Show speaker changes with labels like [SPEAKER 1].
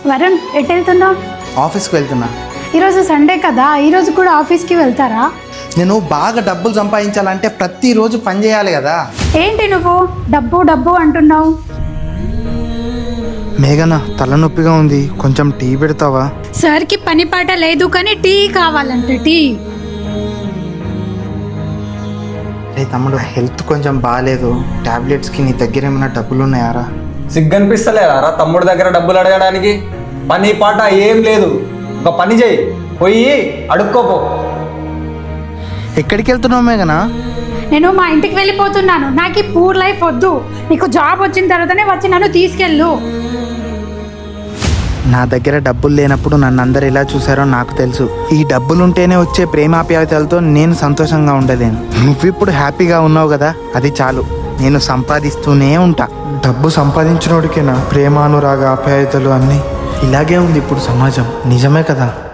[SPEAKER 1] వరుణ్, ఎటు వెళ్తున్నావు?
[SPEAKER 2] ఆఫీస్కి వెళ్తున్నా.
[SPEAKER 1] ఈరోజు సండే కదా, ఈరోజు కూడా ఆఫీస్కి వెళ్తారా?
[SPEAKER 2] నేను బాగా డబ్బులు సంపాదించాలంటే ప్రతిరోజు పని చేయాలి కదా.
[SPEAKER 1] ఏంటి నువ్వు డబ్బు డబ్బు అంటున్నావు?
[SPEAKER 2] మేఘన, తలనొప్పిగా ఉంది, కొంచెం టీ పెడతావా?
[SPEAKER 1] సార్కి పని పాట లేదు కానీ టీ కావాలంటే టీ.
[SPEAKER 2] రే తమ్ముడు, హెల్త్ కొంచెం బాగాలేదు, టాబ్లెట్స్కి నీ దగ్గర ఏమైనా డబ్బులు ఉన్నాయారా?
[SPEAKER 3] సిగ్గనిపిస్తలేరా తమ్ముడి దగ్గర డబ్బులు అడగడానికి? పని పాట ఏం లేదు, ఒక పని చేయి, పోయి అడుక్కోపో.
[SPEAKER 2] ఎక్కడికి వెళ్తున్నావు మేఘన?
[SPEAKER 1] నేను మా ఇంటికి వెళ్ళిపోతున్నాను. నాకు ఈ పూర్ లైఫ్ వద్దు. నీకు జాబ్ వచ్చిన తర్వాతనే వచ్చి నన్ను తీసుకెళ్ళు.
[SPEAKER 2] నా దగ్గర డబ్బులు లేనప్పుడు నన్ను అందరు ఎలా చూసారో నాకు తెలుసు. ఈ డబ్బులుంటేనే వచ్చే ప్రేమాప్యాయతలతో నేను సంతోషంగా ఉండలేను. నువ్విప్పుడు హ్యాపీగా ఉన్నావు కదా, అది చాలు. నేను సంపాదిస్తూనే ఉంటా. డబ్బు సంపాదించినోడికేనా ప్రేమ, అనురాగ, ఆప్యాయతలు అన్నీ? ఇలాగే ఉంది ఇప్పుడు సమాజం. నిజమే కదా?